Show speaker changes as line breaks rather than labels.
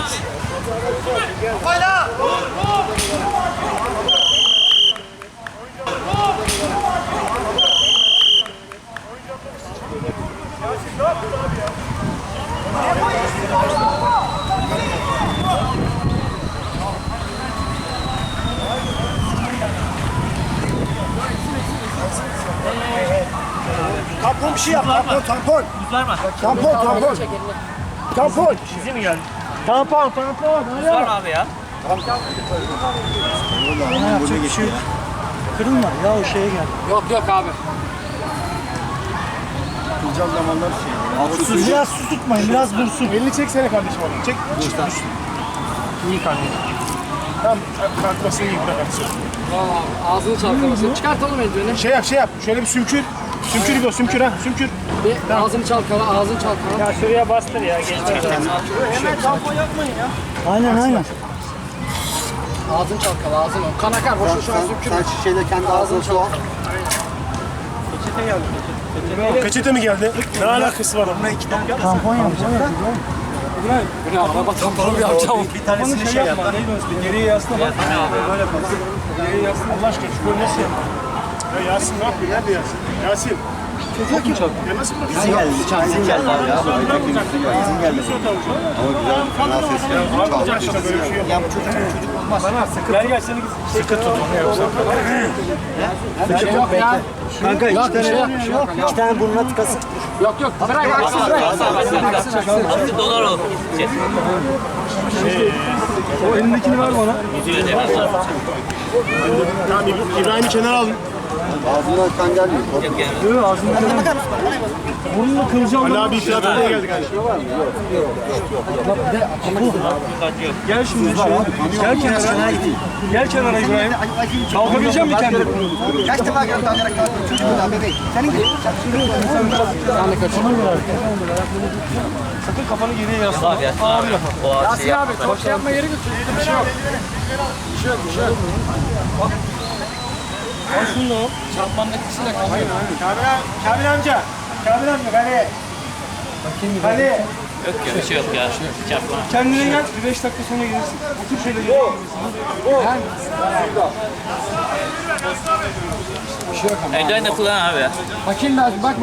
Tampon bir şey yap. Tampon.
Buz var mı?
Tampon.
Bize mi geldi?
Tampon.
Buz var mı abi ya?
Yapacak bir şey yok. Kırılma ya o şeye gel.
Yok abi.
Kılcal zamanlar şey. Biraz su tutmayın, biraz dursun. Elini çeksene kardeşim onu. Çek. İyi kardeşim. Tamam, kalkmasını iyi bırakırsın.
Valla ağzını çalkalamasın. Çıkartalım eldiveni.
Şey yap. Şöyle bir sümkür. Sümkür gibi o, sümkür.
Bir tamam. Ağzını çalkala.
Ya şuraya bastır ya.
Hemen tampon yapmayın ya. Aynen.
Ağzını çalkala, ağzını. Kan akar, boşu şu an sümkürme.
Sen şişeyle kendi ağzını su al.
Peçete mi geldi? Ne alakası var onunla? Tampon yapacağım.
Bu ne araba tamponu bir yapacağım.
Bir tanesini şey yap. Geriye yasla bak. Böyle bak. Geriye yasla. Allah aşkına şu golü nasıl yapma? Ya Yasin ne yapıyor? Nerede Yasin? Yasin. Çok mu çok? Ya nasıl bırakıyorsun?
İzin geldi abi ya. İzin geldi. Ama güzel. Fena ses geldi.
Allah aşkına böyle bir şey yok. Ya bu çocuk olmaz. Bana sıkı. Gel seni sıkı tut onu yoksa.
Bir şey yok ya.
Kanka
iki
tane burnuna tıkasın.
Yok. Bırak aksın.
Artık dolar ol.
O elindekini ver bana.
Yüzüyle de biraz.
Tamam İbrahim'i kenara alın.
Ağzından kan gelmiyor.
Yok ağzını kenara. Burnunu kılacağım. Ali abi itiraf etmeye geldi kardeşim.
Gel şimdi gel kenara. Gel kenara İbrahim. Kalkabilecek misin kendini?
Kaç defa geldi alarak kalktın çocuk da bebek. Senin gibi.
Sen de kaçın.
Sakın kafanı geriye yasla.
Abi ya. O ağaç
Yasin abi, çok şey yapma yeri götür. Bir şey yok.
Al şunu da al.
Çarpmanın etkisiyle kalmıyor.
Kamil amca. Kale. Kale.
Yok ya bir şey yok ya. Çarpma.
Kendine gel. Bir 5 dakika sonra gelirsin. Otur şöyle geriye gelirsin.
Eldiven de kullan abi ya.
Bakayım lazım, bak.